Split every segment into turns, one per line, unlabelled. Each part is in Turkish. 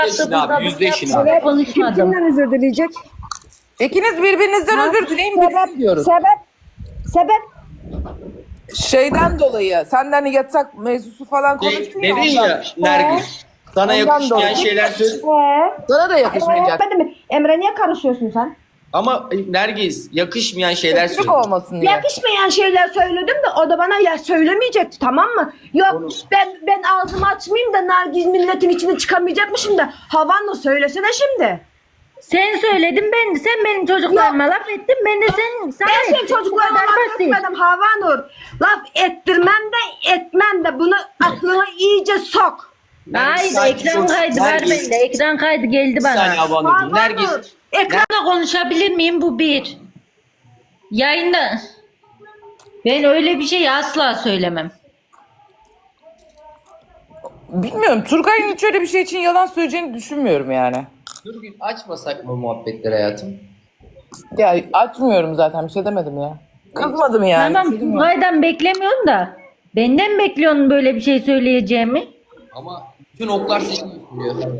Yüzleşin abi, yüzleşin abi.
Kim
Konuşmadım.
kimden özür dileyecek?
İkiniz birbirinizden özür dileyin bitsin diyoruz.
Sebep.
Şeyden dolayı senden yatak mevzusu falan konuştun ya.
Dedin
ondan.
ya Nergis. Sana
Ondan
yakışmayan
dolayı.
şeyler söyle.
Sana da yakışmayacak.
Ben de mi? Emre niye karışıyorsun sen?
Ama Nergis yakışmayan şeyler
Kötülük
söyle.
olmasın diye.
Yakışmayan şeyler söyledim de o da bana ya söylemeyecekti, tamam mı? Yok ben ağzımı açmayayım da Nergiz milletin içine çıkamayacakmışım da Havanur söylesene şimdi.
Sen söyledin, sen benim çocuklarıma laf ettin, ben de sana
Ben senin
ettim. Bu
çocuklarına
kadar
laf
basit.
etmedim Havanur. Laf ettirmem de etmem de bunu aklına iyice sok.
Nergis,
Hayır,
sakin
ekran
ol.
kaydı var
Nergis,
bende. Ekran kaydı geldi
bir saniye
bana.
Havanurcuğum. Nergis.
Ekran
Konuşabilir miyim? Bu bir. Yayında. Ben öyle bir şey asla söylemem.
Bilmiyorum. Turgay'ın hiç öyle bir şey için yalan söyleyeceğini düşünmüyorum yani.
Dur bir açmasak mı muhabbetleri hayatım?
Ya açmıyorum zaten. Bir şey demedim ya. Kızmadım yani.
Tamam,
Bir şey demiyorum.
Turgay'dan beklemiyorsun da. Benden bekliyorsun böyle bir şey söyleyeceğimi.
Ama bütün oklar seni gösteriyor.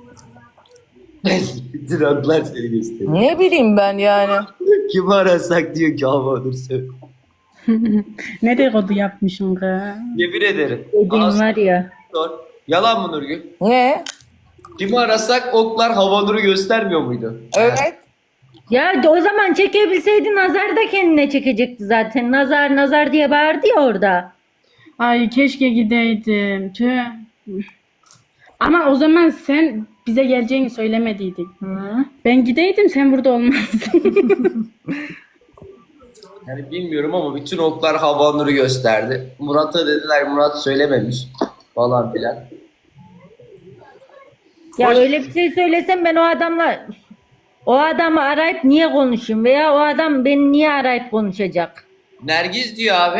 Bütün oklar seni gösteriyor.
Ne bileyim ben yani.
Kimi arasak diyor ki Havanur söyle.
Ne dedikodu yapmışsın kız?
Yemin ederim.
Dediğin
Anasını
var ya.
sor. Yalan mı Nurgül?
Ne?
Kimi arasak oklar Havanur'u göstermiyor muydu?
Evet.
Ya o zaman çekebilseydi Nazar da kendine çekecekti zaten. Nazar nazar diye bağırdı ya orada.
Ay keşke gideydim. Tüh. Ama o zaman sen bize geleceğini söylemediydin.
Hı.
Ben gideydim, sen burada olmazdın.
Yani bilmiyorum ama bütün oklar Havanur'u gösterdi. Murat'a dediler Murat söylememiş falan filan.
Ya
Hoş-
öyle bir şey söylesem ben o adamı arayıp niye konuşayım veya o adam beni niye arayıp konuşacak?
Nergiz diyor abi.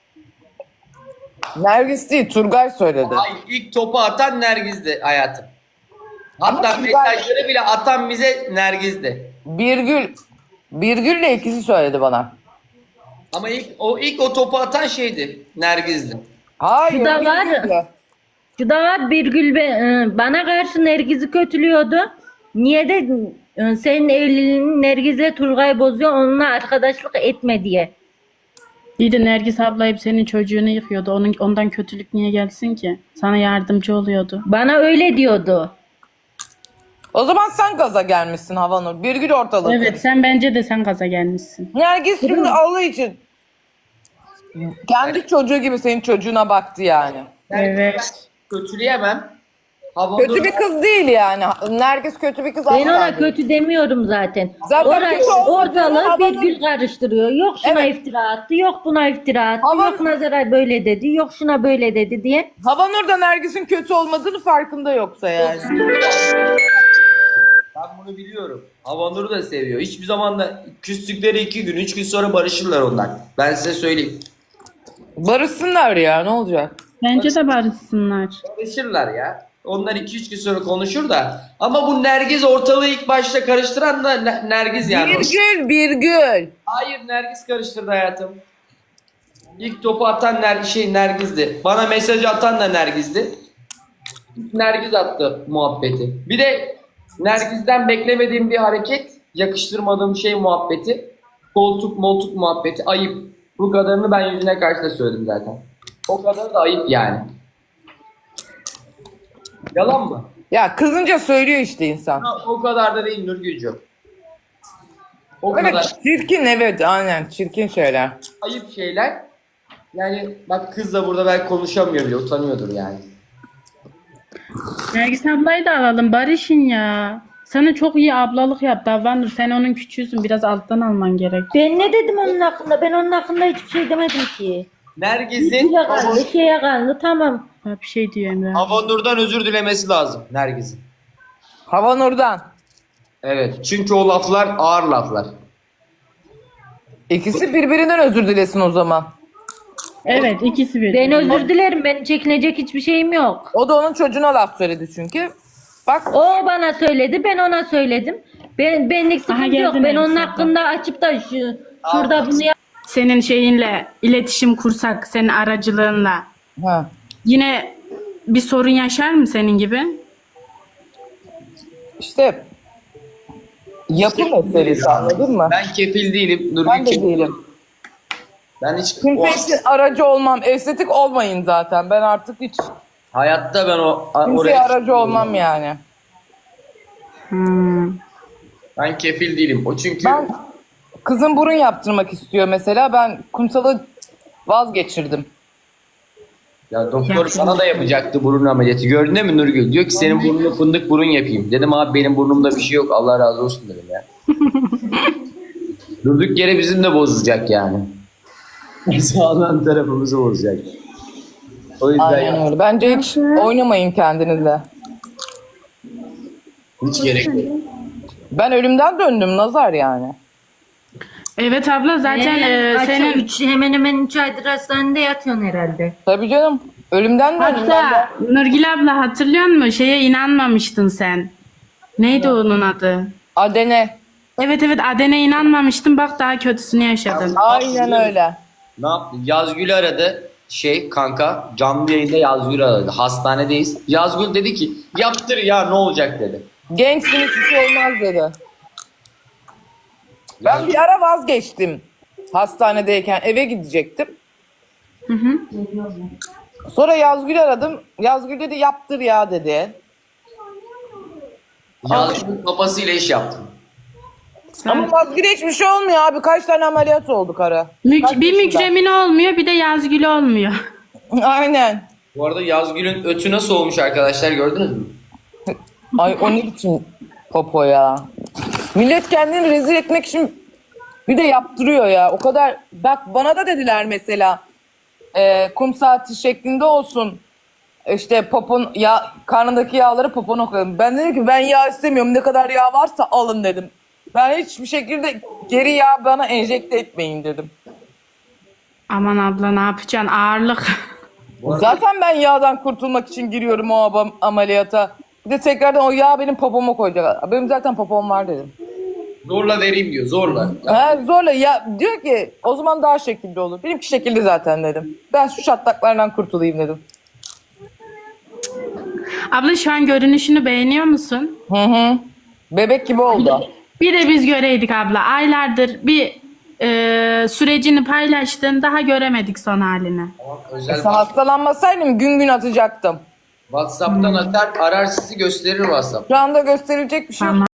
Nergis değil. Turgay söyledi.
Ay ilk topu atan Nergiz'di hayatım. Hatta
Ama
mesajları bile atan bize Nergiz'di.
Birgül'le ikisi söyledi bana.
Ama ilk o topu atan şeydi. Nergiz'di.
Hayır.
Şu da var.
Birgül'dü.
Şu da var, Birgül bana karşı Nergiz'i kötülüyordu. Niye de senin evliliğini Nergiz'le Turgay bozuyor, onunla arkadaşlık etme diye.
İyi de Nergis abla hep senin çocuğunu yıkıyordu. Ondan kötülük niye gelsin ki? Sana yardımcı oluyordu.
Bana öyle diyordu.
O zaman sen gaza gelmişsin Havanur. Birgül ortalığı.
Evet, sen gaza gelmişsin.
Nergis şimdi Allah için kendi çocuğu gibi senin çocuğuna baktı yani.
Evet.
Kötüleyemem. Havanur
Kötü bir kız değil yani. Nergis kötü bir kız
Ben
asla
ona
değil.
kötü demiyorum zaten.
Zaten
Orayı,
kötü olsun
ortalığı
diyorum, Havanur-
Birgül karıştırıyor. Yok şuna
Evet.
iftira attı, yok buna iftira attı,
Havanur-
yok Nazar'a böyle dedi, yok şuna böyle dedi diye.
Havanur da Nergis'in kötü olmadığını farkında yoksa yani.
Ben bunu biliyorum. Havanur'u da seviyor. Hiçbir zaman da küstükleri 2 gün 3 gün sonra barışırlar onlar. Ben size söyleyeyim.
Barışsınlar ya, ne olacak?
Bence de barışsınlar.
Barışırlar ya. Onlar 2-3 gün sonra konuşur da. Ama bu Nergiz ortalığı ilk başta karıştıran da Nergiz yani.
Birgül.
Hayır Nergiz karıştırdı hayatım. İlk topu atan Nergiz'di. Bana mesaj atan da Nergiz'di. Nergiz attı muhabbeti. Bir de Nergiz'den beklemediğim bir hareket, yakıştırmadığım şey muhabbeti. Koltuk muhabbeti ayıp. Bu kadarını ben yüzüne karşı da söyledim zaten. O kadar da ayıp yani. Yalan mı?
Ya kızınca söylüyor işte insan.
Ha, o kadar da değil Nurgül'cüğüm. O kadar
Evet, çirkin, evet, aynen çirkin şeyler.
ayıp şeyler. Yani bak kız da burada belki konuşamıyor bile, utanıyordur yani.
Nergis ablayı da alalım. Barışın ya. Sana çok iyi ablalık yaptı Havanur. Sen onun küçüğüsün. Biraz alttan alman gerek.
Ben ne dedim onun hakkında? Ben onun hakkında hiçbir şey demedim ki.
Nergiz'in
Şeye kaldı, tamam.
Ha, bir şey diyor Emre.
Havanur'dan özür dilemesi lazım Nergiz'in.
Havanur'dan.
Evet. Çünkü o laflar ağır laflar.
İkisi birbirinden özür dilesin o zaman.
Evet, ikisi bir.
Ben özür dilerim, benim çekinecek hiçbir şeyim yok.
O da onun çocuğuna laf söyledi çünkü. Bak
O bana söyledi, ben ona söyledim. Benlik sıkıntı
geldi
yok. Ben
Nergis
onun
abla.
hakkında açıp da şurada bunu
Senin şeyinle iletişim kursak, senin aracılığınla.
ha.
Yine bir sorun yaşar mı senin gibi?
işte yapı meselesi, anladın mı?
Ben kefil değilim. Nurgül
Ben de
kefil.
değilim.
Ben hiç
Kimse için aracı olmam. Estetik olmayın zaten. Ben artık hiç
hayatta ben
kimseye
oraya
aracı olmam yani.
Hmm.
ben kefil değilim. O çünkü
Ben kızım burun yaptırmak istiyor mesela. Ben kumsalı vazgeçirdim.
ya doktor sana da yapacaktı burun ameliyatı. Gördün değil mi Nurgül? Diyor ki senin burnunu fındık burun yapayım. Dedim abi benim burnumda bir şey yok. Allah razı olsun dedim ya. Durduk yere bizim de bozacak yani. Sağlam tarafımızı bozacak. O yüzden
Aynen öyle. Bence hiç oynamayın kendinize.
hiç gerek yok.
Ben ölümden döndüm nazar yani.
Evet abla zaten senin
Hemen hemen 3 aydır hastanede yatıyorsun herhalde.
Tabii canım. Ölümden döndüm. ben de.
hatta Nurgül abla hatırlıyor musun? Şeye inanmamıştın sen. Neydi onun adı?
Adene.
Evet Aden'e inanmamıştın. Bak daha kötüsünü yaşadın.
Aynen öyle.
Ne yaptı? Yazgül aradı. Kanka canlı yayında Yazgül aradı. Hastanedeyiz. Yazgül dedi ki yaptır ya ne olacak dedi.
Gençsin hiçbir şey olmaz dedi. Ben bir ara vazgeçtim. Hastanedeyken eve gidecektim. Sonra Yazgül aradım. Yazgül dedi yaptır ya dedi.
Yazgül'ün kafasıyla iş yaptım.
Ama Yazgül'e hiçbir şey olmuyor abi. Kaç tane ameliyat olduk ara. Kaç
Bir
yaşında?
Mükremin olmuyor, bir de Yazgül olmuyor.
Aynen.
Bu arada Yazgül'ün ötü nasıl olmuş arkadaşlar gördünüz mü?
Ay o ne biçim popo ya. Millet kendini rezil etmek için bir de yaptırıyor ya. O kadar bak bana da dediler mesela kum saati şeklinde olsun. İşte popon ya karnındaki yağları popona koyalım. Ben dedim ki ben yağ istemiyorum. Ne kadar yağ varsa alın dedim. Ben hiçbir şekilde geri yağ bana enjekte etmeyin dedim.
Aman abla ne yapacaksın? Ağırlık.
Zaten ben yağdan kurtulmak için giriyorum o ameliyata. Bir de tekrardan o yağ benim popoma koyacak. Benim zaten popom var dedim.
Zorla vereyim diyor zorla.
He, zorla ya diyor ki o zaman daha şekilli olur. Benimki şekilli zaten dedim. Ben şu çatlaklardan kurtulayım dedim.
Abla şu an görünüşünü beğeniyor musun?
Hı. Bebek gibi oldu.
Bir de biz göreydik abla. Aylardır bir sürecini paylaştın. Daha göremedik son halini.
Özel
Sen hastalanmasaydım gün gün atacaktım.
WhatsApp'tan atar arar sizi gösterir WhatsApp.
Şu anda gösterilecek bir şey yok.
Tamam.